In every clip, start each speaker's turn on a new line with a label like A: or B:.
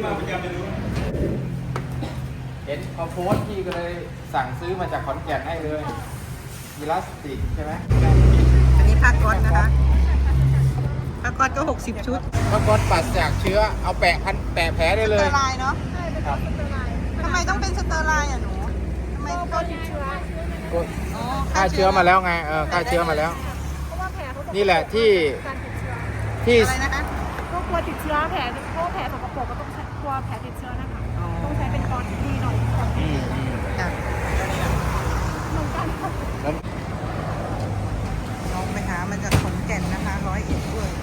A: เห็นเขาโพสต์พี่ก็เลยสั่งซื้อมาจากขอนแก่นให้เลยอีลาสติกใช่ไหม
B: อันนี้ผ้าก๊อตนะคะผ้าก๊อตก็60 ชุด
A: ผ้าก๊อตปัสจากเชื้อเอาแปะแผลได้เล
B: สเต
A: ย
B: อร์ไลน์เนาะ
A: ครับ
B: ทำไมต้องเป็นสเตอร์ไลน์อ่ะหนูทำไมก็ติดเชื้อ
A: ฆ่าเชื้อมาแล้วไงฆ่าเชื้อมาแล้ว
C: เพราะว่าแผลเขาบอก
A: นี่แหละที่
C: การติดเชื้อ
A: ที่
B: อะไรนะคะ
C: ก็กลัวติดเชื้อแผลเพราะว่าแผลสกปรกก็ต้องกลัวแผลติดเชื้อนะคะต้องใช้เป็นกรที่ดีหน่อย
B: จ้ะ
C: เหมือนกันค่ะ
A: แล้ว
B: น้องไปหามาจากขอนแก่นนะคะ101ด้วย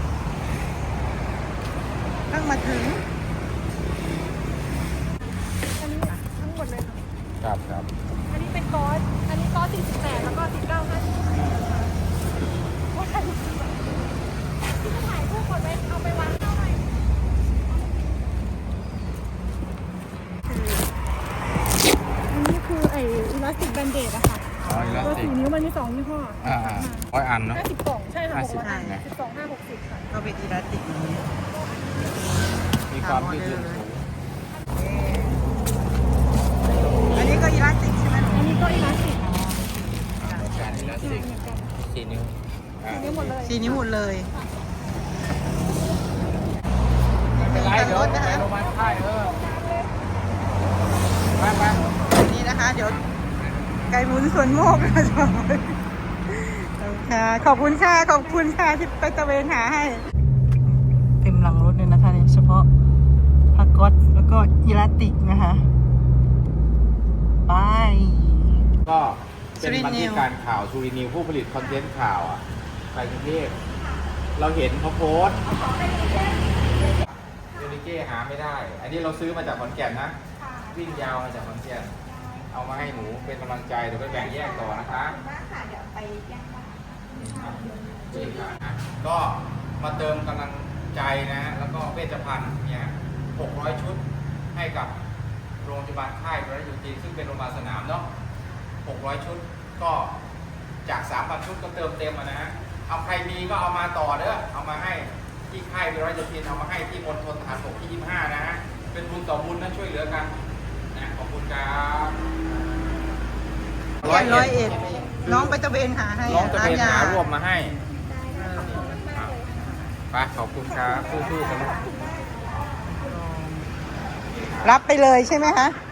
B: เพิ่งมาถึง
C: อันนี้ทั้งหมดเลยค่ะ
A: ครับ
C: อันนี้เป็นกอสอันนี้กอส48แล้วก็19 50ว่าใครที่จะถ่ายรูปหมดไว้เอาไปวางเอาไว้อันนี้คือไอ้อิลาสติกแบนเดดอะค่ะ
A: อ๋ออีลาส
C: ตัว
A: ติก
C: 4 นิ้วมันมี2ยี่ห้อ
A: 100 อันเนาะ
C: 50 กล่องใช่ค่ะ
A: 50
C: 600 อัน
A: นะ
C: 12 5 60ค่ะ
B: ก็เป็นอีลาสติกอย่างนี้
A: มีความยืดหยุ่นสูง
B: อันนี้ก็อีลาสติกใช่ไหมหนู
C: อันนี้ก็อิลาสติก
A: การอีลาสติก
C: เหมือนกัน
A: 4 นิ้ว
C: 4 นิ้วหมดเลย
B: 4 นิ้วหมดเลย
A: ไม่เป็นไรเดี๋ยวไปโรงพยาบาลค่ายไป
B: นี่นะคะ เดี๋ยวไก่หมุนสวนโมกนะจ๊ะขอบคุณค่ะขอบคุณค่ะที่ไปตะเวนหาให้ เต็มหลังรถเลยนะคะเนี่ยเฉพาะผ้าก๊อตแล้วก็อีลาสติกนะคะไป
A: ก็เป็นบันทึกการข่าวซูรินิวผู้ผลิตคอนเทนต์ข่าวไปกรุงเทพเราเห็นเขาโพสต์ยูนิเก้หาไม่ได้ อันนี้เราซื้อมาจากขอนแก่นนะวิ่งยาวมาจากขอนแก่นเอามาให้หนูเป็นกำลังใจเดี๋ยวไปแบ่งแยกต่อนะคะเดี๋ยวไปแยกก็มาเติมกำลังใจนะแล้วก็เวชภัณฑ์เนี่ย600 ชุดให้กับโรงพยาบาลค่ายพระยุจีซึ่งเป็นโรงพยาบาลสนามเนาะ600 ชุดก็จาก 3,000 ชุดก็เติมเต็มนะฮะเอาใครมีก็เอามาต่อเด้อเอามาให้ที่ค่ายพระยุจีเอามาให้ที่มณฑลทหารบกที่ 25 นะฮะเป็นบุญต่อบุญนะช่วยเหลือกันนะขอบคุณครับ
B: 101น้องไปตะเวนหาให้
A: น้องจะเป็น
B: ร้
A: หารวบมาให้ไปขอบคุณครับสู้ๆกัน
B: รับไปเลยใช่ไหมคะ
A: ค